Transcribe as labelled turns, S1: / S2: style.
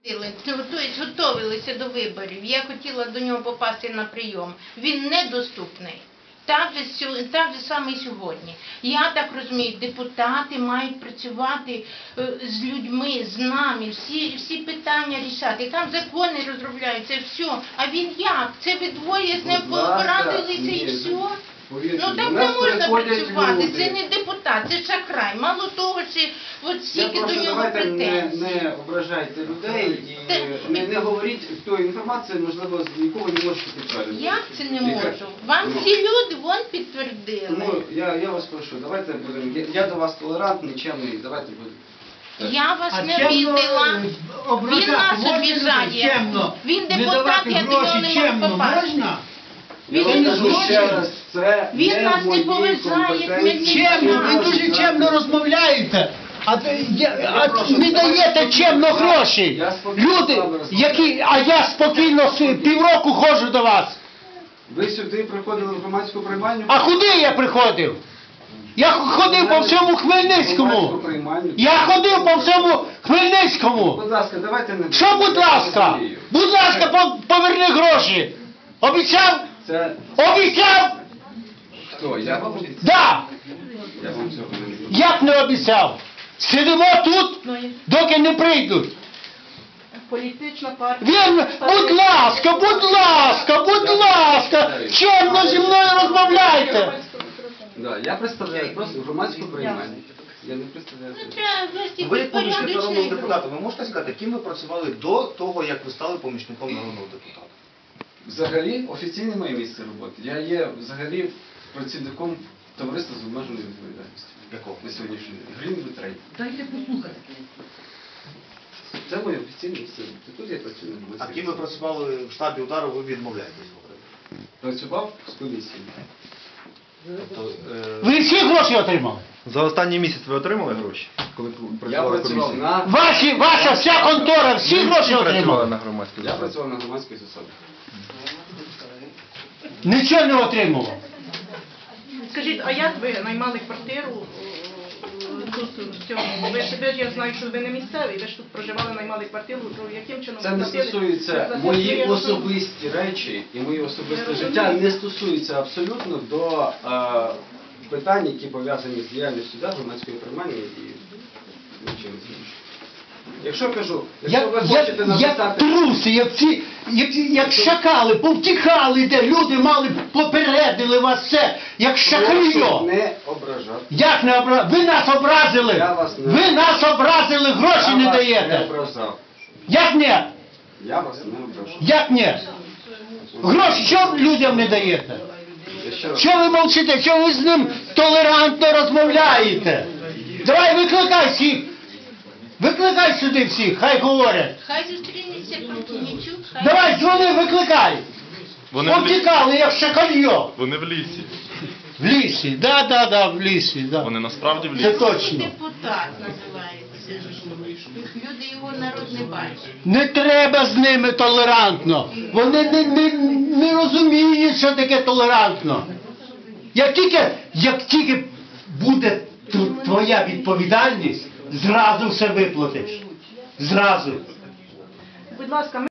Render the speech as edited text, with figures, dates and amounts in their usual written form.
S1: Тобто готувалися до виборів. Я хотіла до нього попасти на прийом. Він недоступний. Так же саме і сьогодні. Я так розумію, депутати мають працювати з людьми, з нами, всі питання рішати. Там закони розробляються, все. А він як? Це ви двоє з ним порадилися і все? Ну так не можна працювати, це не депутат, це шахрай. Мало того, що от стільки до нього претензій.
S2: Не ображайте людей і не говоріть тої інформації, можливо, нікого не можете підтвердити.
S1: Як це не можу? Вам всі люди вон підтвердили.
S2: Тому я вас прошу, давайте будемо, я до вас толерантний, чемний, давайте будемо.
S1: Я вас не обідала. Він нас обіжає. Він депутат, я до нього не можу попасти.
S2: Він нас не
S1: поважає.
S3: Чемно, ви дуже чемно розмовляєте, а не даєте чемно гроші. Люди, а я спокійно півроку ходжу до вас.
S2: Ви сюди приходили в громадську приймальню?
S3: А куди я приходив? Я ходив по всьому Хмельницькому. Я ходив по всьому Хмельницькому.
S2: Будь ласка, давайте не...
S3: Що, будь ласка? Будь ласка, поверни гроші. Обіцяв? Обіцяв?
S2: Хто? Я вам обіцяв?
S3: Да.
S2: Я вам цього не обіцяв.
S3: Як не обіцяв? Сидимо тут, доки не прийдуть.
S4: Політична партія.
S3: Він, будь ласка, чемно зі мною розмовляйте.
S2: Да, я представляю просто громадську приймальню. Я не представляю.
S5: Ви помічник народного депутата. Ви можете сказати, ким ви працювали до того, як ви стали помічником народного депутата?
S2: Взагалі, офіційне моє місце роботи. Я є взагалі працівником товариства з обмеженою відповідальністю.
S5: Якого?
S2: На сьогоднішній день. Green with Trade.
S4: Дайте послухати.
S2: Це моє офіційне місце роботи. Тут я працюю на громадській.
S5: А ким ви працювали в штабі удару, ви відмовляєтесь говорити?
S2: Працював з комісією.
S3: Ви всі гроші отримали?
S5: За останній місяць ви отримали гроші? Коли
S2: Я працював на...
S3: Ваша вся контора, всі гроші отримали?
S5: на громадській
S2: Я працював на громадській засаді.
S3: Нічого не отримував.
S4: Скажіть, а як ви наймали квартиру тут, в цьому? Ви ж я знаю, що ви не місцевий, ви ж тут проживали, наймали квартиру, то яким чином
S2: Це
S4: ви
S2: не
S4: платили?
S2: стосується, мої особисті речі і моє особисте життя не стосуються абсолютно до питань, які пов'язані з діяльністю громадської приймальні і нічим іншим. Якщо кажу, якщо ви хочете
S3: Як
S2: написати...
S3: труси, як шакали, повтікали, де люди мали, попередили вас все, як шакальо.
S2: Не ображати.
S3: Як не образили? Ви нас образили!
S2: Я вас не...
S3: Ви нас образили, гроші не
S2: Я вас
S3: даєте!
S2: не ображав.
S3: Як не?
S2: Я вас не ображав.
S3: Як не? Гроші що людям не даєте? Що ви мовчите? Що ви з ним толерантно розмовляєте? Давай викликай всіх! Викликай сюди всіх, хай говорять.
S1: Хай зустрінеться Пантінічук, хай...
S3: Давай, дзвони, викликай. Повтікали, як шакальо.
S6: Вони в лісі.
S3: В лісі, да, в лісі, да.
S6: Вони насправді в
S3: Це
S6: лісі.
S3: точно.
S1: Депутат називається. Люди його народ не бачать.
S3: Не треба з ними толерантно. Вони не розуміють, що таке толерантно. Як тільки буде твоя відповідальність, зразу все виплатиш. Зразу.
S4: Будь ласка,